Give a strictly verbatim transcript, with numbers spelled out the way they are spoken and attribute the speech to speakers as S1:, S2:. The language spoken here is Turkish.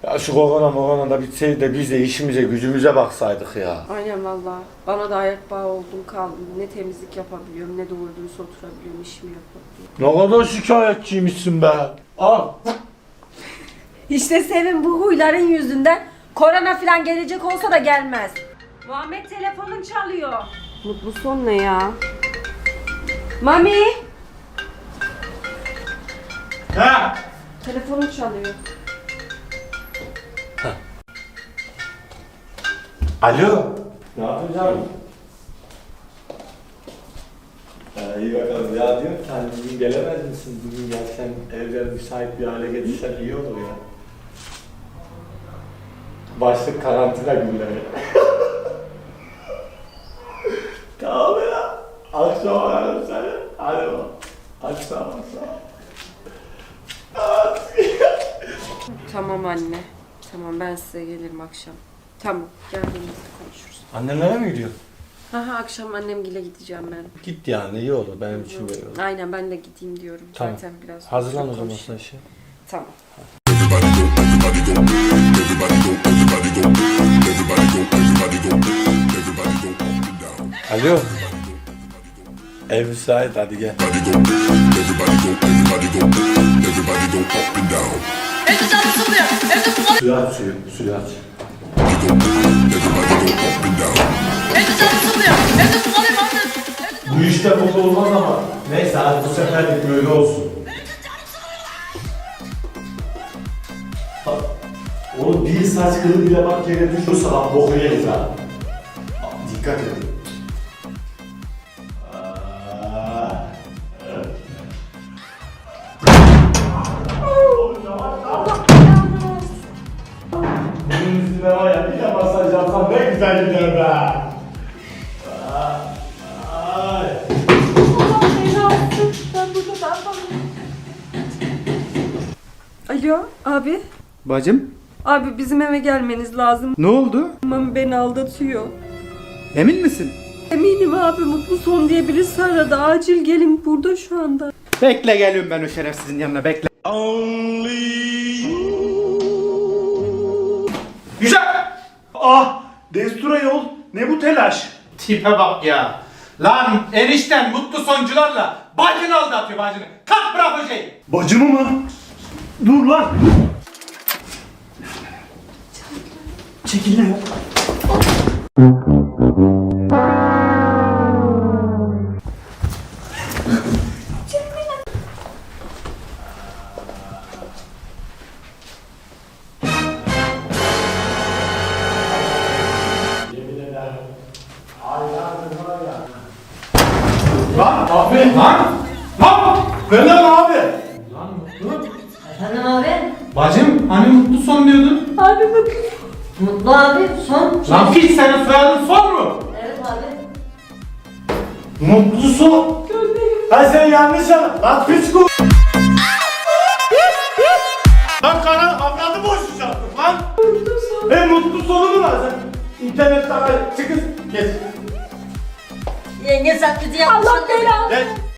S1: Ya şu korona morona da bitseydi de biz de işimize gücümüze baksaydık ya.
S2: Aynen valla. Bana da ayak bağı oldum kaldım. Ne temizlik yapabiliyorum ne doğru dürüst oturabiliyorum, işimi yapabiliyorum.
S1: Ne kadar şikayetçiymişsin be. Al.
S2: İşte Sevin bu huyların yüzünden korona falan gelecek olsa da gelmez. Muhammed telefonun çalıyor. Mutlu son ne ya? Mami!
S1: Ha.
S2: Telefonun çalıyor.
S1: Alo. Ne yapacağım? Ya iyi bakalım. Ya diyorum ki hani bugün gelemez misin? Bugün gelsen evler müsait bir hale getirsen iyi olur ya. Başlık karantina günleri. Tamam ya. Akşam ararım seni. Hadi bak. Akşam akşam.
S2: Tamam anne. Tamam ben size gelirim akşam. Tamam geldiğimizde konuşuruz.
S1: Annenlere mi gidiyorsun?
S2: Ha ha akşam annemgile gideceğim ben.
S1: Git yani iyi olur benim için böyle olur.
S2: Aynen ben de gideyim diyorum.
S1: Tamam.
S2: Zaten biraz
S1: Hazırlan o zaman
S2: konuşayım.
S1: sen şey.
S2: Tamam.
S1: Alo. Ev müsait hadi gel.
S3: Evde canlısı oluyor. Evde su
S1: Suyu aç suyu, suyu aç.
S3: Evde canlısı oluyor. Evde su kalıyor Muhammed.
S1: Bu işte mutlu olmaz ama neyse hadi bu seferlik böyle olsun. Bak, oğlum bir saç kılı bile bak yere düşürse bak boku yeriz ha. Bak, dikkat edin. Aa, evet. Oğlum yavaş yavaş. Bunun üstüne var ya bir de masaj yapsam ne güzel gider be. Ay.
S2: Ben burada ne yapalım? Alo abi.
S4: Bacım,
S2: Abi bizim eve gelmeniz lazım.
S4: ne oldu?
S2: Mami beni aldatıyor.
S4: Emin misin?
S2: Eminim abi mutlu son diye birisi aradı. Acil gelin burada şu anda.
S4: Bekle geliyorum ben o şerefsizin yanına bekle. Güzel. Ah, destura yol. Ne bu telaş?
S5: Tipe bak ya. Lan enişten mutlu soncularla bacını aldatıyor bacını. Kalk bırak o şeyi.
S4: Bacımı mı? Dur lan. Çekil lan.
S5: Lan abi lan. Lan.
S1: Ben lan abi.
S5: Lan mutlu.
S6: Efendim abi?
S5: Bacım hani mutlu son diyordun.
S2: Abi bakın.
S6: Mutlu abi son.
S5: Lan piç senin soyadın son mu?
S6: Evet abi.
S1: Mutlu son. Ha sen yanlış anladın. Lan piç ku... Lan kana avradı boşacaktın lan. E mutlu sonu mu var sen? İnternetten çıkın. Geç.
S6: Yenge saklıcı yapmış.
S2: Allah belanı.
S1: Geç.